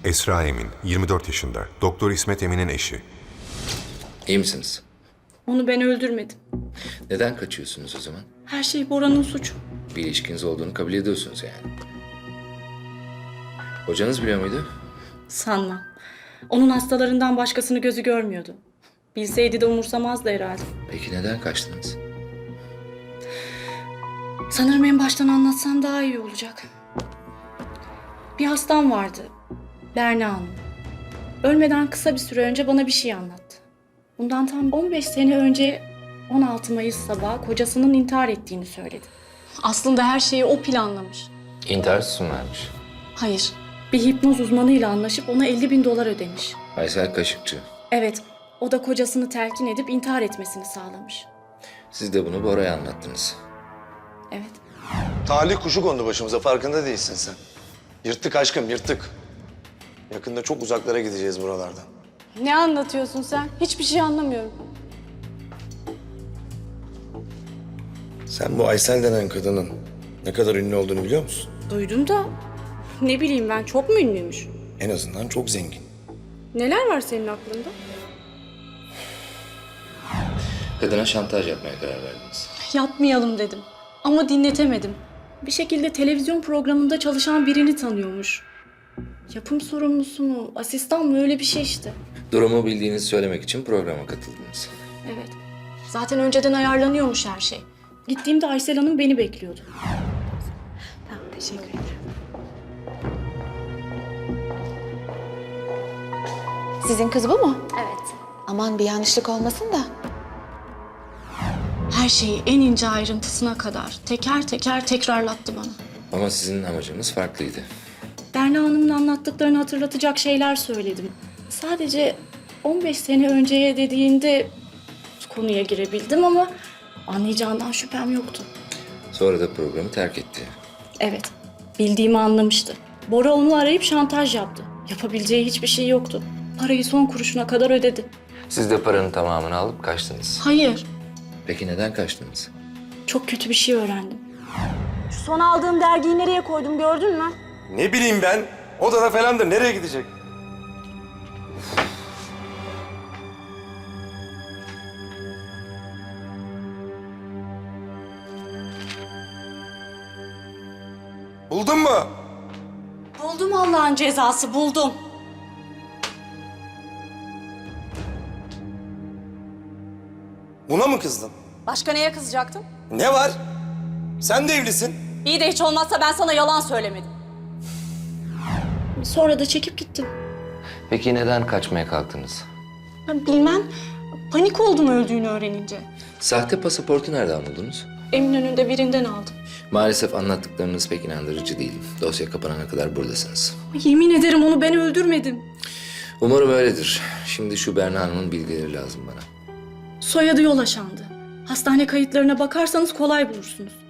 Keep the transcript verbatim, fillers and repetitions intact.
Esra Emin, yirmi dört yaşında. Doktor İsmet Emin'in eşi. İyi misiniz? Onu ben öldürmedim. Neden kaçıyorsunuz o zaman? Her şey Bora'nın suçu. Bir ilişkiniz olduğunu kabul ediyorsunuz yani. Hocanız biliyor muydu? Sanmam. Onun hastalarından başkasını gözü görmüyordu. Bilseydi de umursamazdı herhalde. Peki neden kaçtınız? Sanırım en baştan anlatsam daha iyi olacak. Bir hastam vardı. Berna Hanım. Ölmeden kısa bir süre önce bana bir şey anlattı. Bundan tam on beş sene önce on altı Mayıs sabahı kocasının intihar ettiğini söyledi. Aslında her şeyi o planlamış. İntihar süsü vermiş. Hayır. Bir hipnoz uzmanıyla anlaşıp ona elli bin dolar ödemiş. Aysel Kaşıkçı. Evet. O da kocasını telkin edip intihar etmesini sağlamış. Siz de bunu Bora'ya anlattınız. Evet. Talih kuşu kondu başımıza, farkında değilsin sen. Yırttık aşkım, yırttık. Yakında çok uzaklara gideceğiz buralardan. Ne anlatıyorsun sen? Hiçbir şey anlamıyorum. Sen bu Aysel denen kadının ne kadar ünlü olduğunu biliyor musun? Duydum da ne bileyim ben, çok mu ünlüymüş? En azından çok zengin. Neler var senin aklında? Kadına şantaj yapmaya karar verdiniz. Yapmayalım dedim ama dinletemedim. Bir şekilde televizyon programında çalışan birini tanıyormuş. Yapım sorumlusu mu, asistan mı, öyle bir şey işte. Durumu bildiğinizi söylemek için programa katıldınız. Evet. Zaten önceden ayarlanıyormuş her şey. Gittiğimde Aysel Hanım beni bekliyordu. Tamam, teşekkür ederim. Sizin kız bu mu? Evet. Aman bir yanlışlık olmasın da. Her şeyi en ince ayrıntısına kadar teker teker tekrarlattı bana. Ama sizin amacınız farklıydı. Berna Hanım'ın anlattıklarını hatırlatacak şeyler söyledim. Sadece on beş sene önceye dediğinde konuya girebildim ama anlayacağından şüphem yoktu. Sonra da programı terk etti. Evet, bildiğimi anlamıştı. Bora onu arayıp şantaj yaptı. Yapabileceği hiçbir şey yoktu. Parayı son kuruşuna kadar ödedi. Siz de paranın tamamını alıp kaçtınız. Hayır, Peki neden kaçtınız? çok kötü bir şey öğrendim. Şu son aldığım dergiyi nereye koydum, gördün mü? Ne bileyim ben, odada falandır, nereye gidecek? Buldun mu? Buldum, Allah'ın cezası, buldum. Buna mı kızdın? Başka neye kızacaktım? Ne var? Sen de evlisin. İyi de hiç olmazsa ben sana yalan söylemedim. Sonra da çekip gittim. Peki neden kaçmaya kalktınız? Ben bilmem, panik oldum öldüğünü öğrenince. Sahte pasaportu nereden buldunuz? Eminönü'nde birinden aldım. Maalesef anlattıklarınız pek inandırıcı değil. Dosya kapanana kadar buradasınız. Yemin ederim onu ben öldürmedim. Umarım öyledir. Şimdi şu Berna Hanım'ın bilgileri lazım bana. Soyadı Yolaşan'dı. Hastane kayıtlarına bakarsanız kolay bulursunuz.